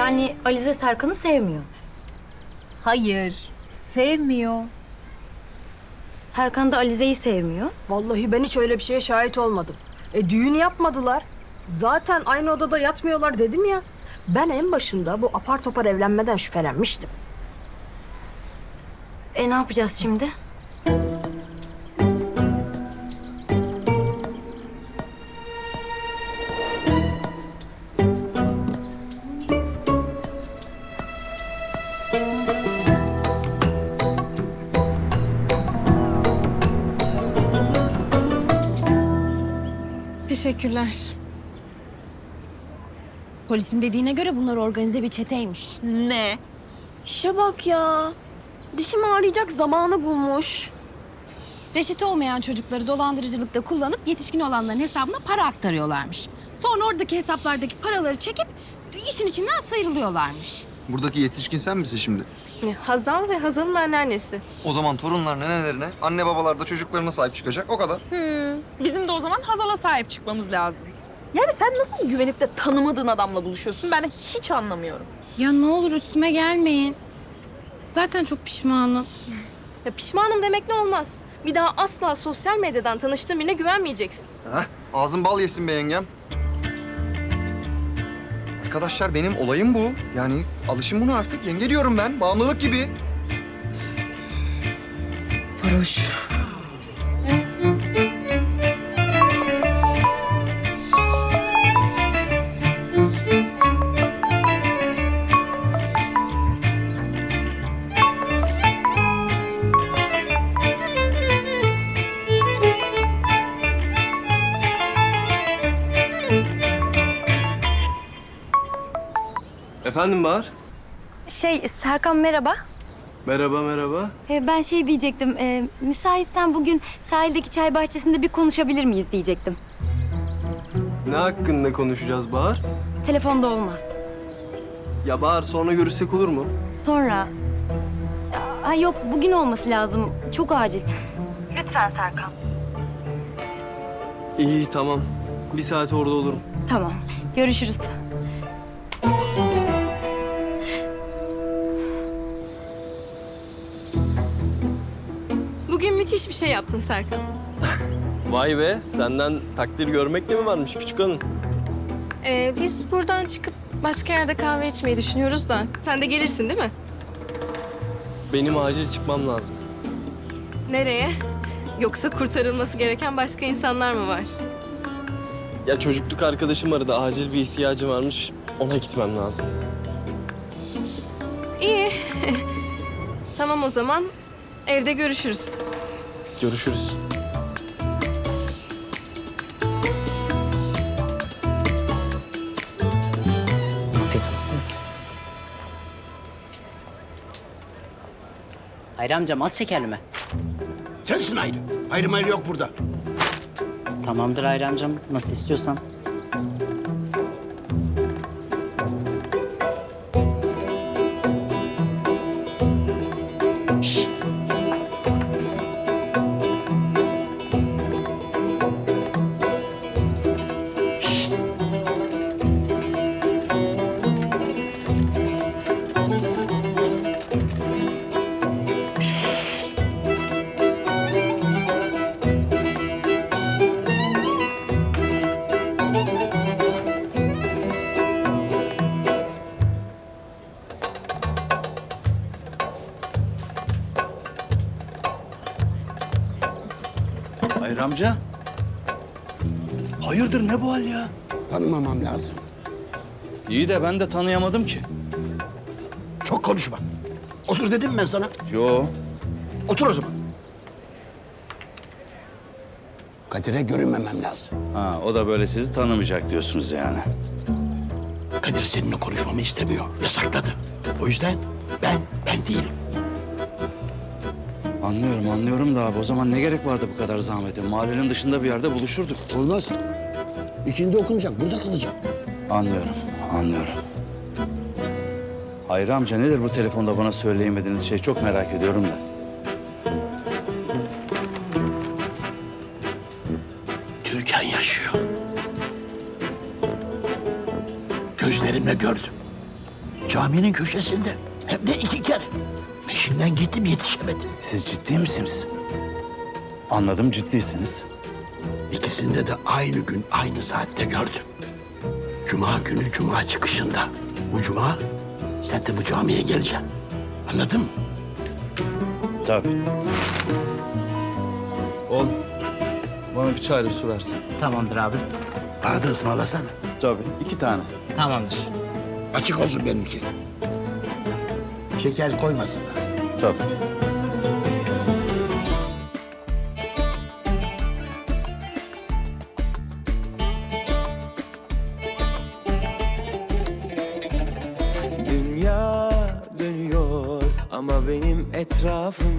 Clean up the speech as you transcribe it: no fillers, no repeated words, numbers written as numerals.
Yani Alize Serkan'ı sevmiyor. Hayır, sevmiyor. Serkan da Alize'yi sevmiyor. Vallahi ben hiç öyle bir şeye şahit olmadım. Düğün yapmadılar. Zaten aynı odada yatmıyorlar dedim ya. Ben en başında bu apar topar evlenmeden şüphelenmiştim. Ne yapacağız şimdi? Teşekkürler. Polisin dediğine göre bunlar organize bir çeteymiş. Ne? İşe bak ya. Dişim ağrıyacak zamanı bulmuş. Reşit olmayan çocukları dolandırıcılıkta kullanıp yetişkin olanların hesabına para aktarıyorlarmış. Sonra oradaki hesaplardaki paraları çekip işin içinden sıyrılıyorlarmış. Buradaki yetişkin sen misin şimdi? Hazal ve Hazal'ın anneannesi. O zaman torunlar nenelerine, anne babalar da çocuklarına sahip çıkacak. O kadar. Bizim de o zaman Hazal'a sahip çıkmamız lazım. Yani sen nasıl güvenip de tanımadığın adamla buluşuyorsun? Ben hiç anlamıyorum. Ya ne olur üstüme gelmeyin. Zaten çok pişmanım. Ya pişmanım demekle olmaz. Bir daha asla sosyal medyadan tanıştığın birine güvenmeyeceksin. Heh, ağzın bal yesin be yengem. Arkadaşlar benim olayım bu. Yani alışın buna artık. Yenge diyorum ben. Bağımlılık gibi. Varoş. Efendim Bahar? Serkan merhaba. Merhaba, merhaba. Ben diyecektim. Müsaitsen bugün sahildeki çay bahçesinde bir konuşabilir miyiz diyecektim. Ne hakkında konuşacağız Bahar? Telefonda olmaz. Ya Bahar sonra görüşsek olur mu? Sonra. Yok bugün olması lazım. Çok acil. Lütfen Serkan. İyi, tamam. Bir saate orada olurum. Tamam. Görüşürüz. Bugün müthiş bir şey yaptın Serkan. Vay be, senden takdir görmek de mi varmış küçük hanım? Biz buradan çıkıp başka yerde kahve içmeyi düşünüyoruz da. Sen de gelirsin değil mi? Benim acil çıkmam lazım. Nereye? Yoksa kurtarılması gereken başka insanlar mı var? Ya çocukluk arkadaşım aradı, acil bir ihtiyacı varmış. Ona gitmem lazım. İyi. Tamam o zaman. Evde görüşürüz. Görüşürüz. Afiyet olsun. Hayri amcam az şekerli mi? Sensin ayrı. Ayrı mayrı yok burada. Tamamdır Hayri amcam. Nasıl istiyorsan. Şşş. Şşş. Hayır amca. Hayırdır ne bu hal ya? Tanımamam lazım. İyi de ben de tanıyamadım ki. Çok konuşma. Otur dedim ben sana. Yo. Otur o zaman. Kadir'e görünmemem lazım. Ha, o da böyle sizi tanımayacak diyorsunuz yani. Kadir seninle konuşmamı istemiyor. Yasakladı. O yüzden ben değilim. Anlıyorum da abi o zaman ne gerek vardı bu kadar zahmete? Mahallenin dışında bir yerde buluşurduk. Olmaz. İkindi okunacak. Burada kalacak. Anlıyorum. Hayri amca nedir bu telefonda bana söyleyemediğiniz şey? Çok merak ediyorum da. Türkan yaşıyor. Gözlerimle gördüm. Caminin köşesinde. Hem de 2 kere. Peşinden gittim yetişemedim. Siz ciddi misiniz? Anladım, ciddiysiniz. İkisinde de aynı gün aynı saatte gördüm. Cuma günü cuma çıkışında. Bu cuma sen de bu camiye geleceksin. Anladın mı? Tabii. Oğlum, bana bir çayla su versin. Tamamdır abi. Bana da ısmarlasana. Tabii, 2 tane. Tamamdır. Açık olsun benimki. Şeker koymasın. Tabii. Dünya dönüyor ama benim etrafım